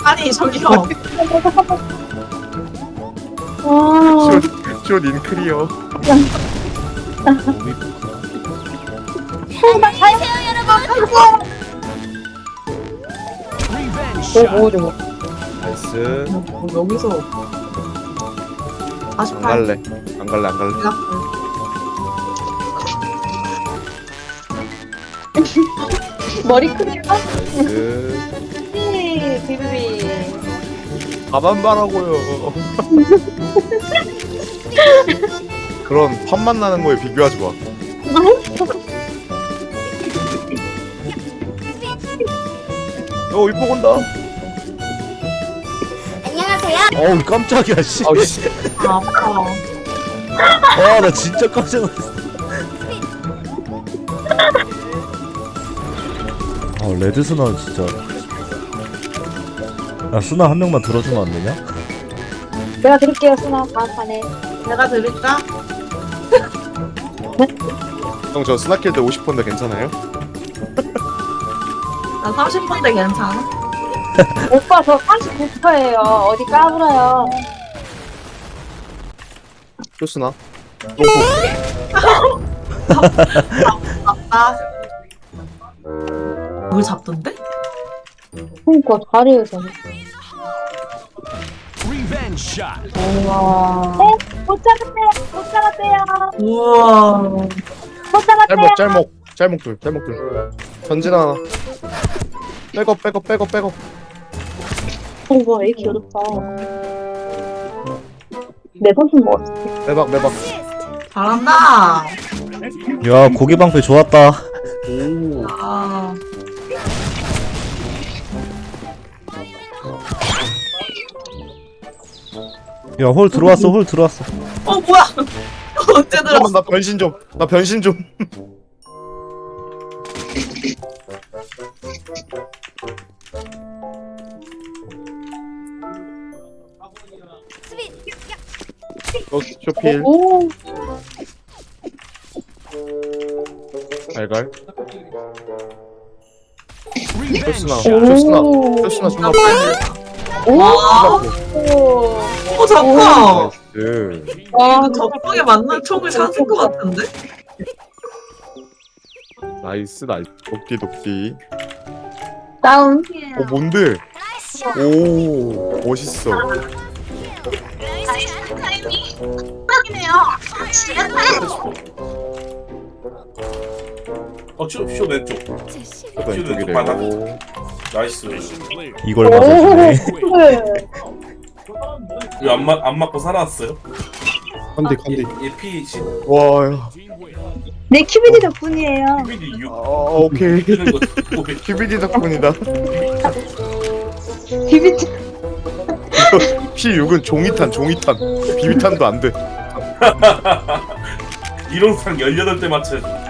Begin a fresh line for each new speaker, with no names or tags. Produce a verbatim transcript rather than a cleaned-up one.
아니 저기요.
와.
숏, 숏 인클리어.
오, 오, 저거.
나이스.
뭐 여기서
안
사십팔.
갈래. 안 갈래, 안 갈래.
머리 크기가?
나이스.
비비비.
가만 봐라고요. 그런 팝만 나는 거에 비교하지 마. 어, 이뻐 건다.
어우 깜짝이야 씨.
아우, 씨.
아, 아파.
아 나 진짜 깜짝 놀랐어. 아 레드 스나 진짜. 야 스나 한 명만 들어주면 안 되냐?
내가 드릴게요, 수나. 다음 판에.
내가 드릴까?
형, 저 스나킬 때 오십 번인데 괜찮아요?
나 삼십 분대 괜찮아?
오빠, 저 삼십구 퍼예요. 어디 까불어요.
쇼스나?
아. 뭘 잡던데?
그니까, 잘해요, 저는. 우와. 어? 못 잡았대요. 못 잡았대요.
우와.
못 잡았대요.
짤목, 짤목. 짤목 둘, 짤목 둘. 전진 하나. 백업, 백업, 백업, 백업.
우와, 애 귀엽다. 내 손좀 먹었어.
매박, 매박.
잘한다.
야 고기 방패 좋았다.
오.
아.
야 홀 들어왔어 홀 들어왔어.
어 뭐야? 언제
잠깐만,
들었어?
나 변신 좀. 나 변신 좀. 어, 쇼필.
오.
갈갈. 쇼스나, 쇼스나, 쇼스나 존나
오.
와.
오.
어 잠깐.
나이스.
와,
이거 적성에 맞는 총을 찾은 것 같은데?
나이스, 나이스. 돕기, 돕기.
다운.
어, 뭔데? 오, 멋있어.
어, 쇼, 쇼 왼쪽.
또 왼쪽이래요.
나이스.
이걸 맞아주네.
이거 안, 맞, 안 맞고 살아왔어요?
컨디, 컨디.
얘 피 십.
와, 야.
내 큐비디 덕분이에요.
큐비디 육.
아, 오케이.
뜨는 거 듣고
큐비디 덕분이다.
큐비디.
피 육은 종이탄, 종이탄. 비비탄도 안 돼.
이론상 열여덟 대 맞춰야지.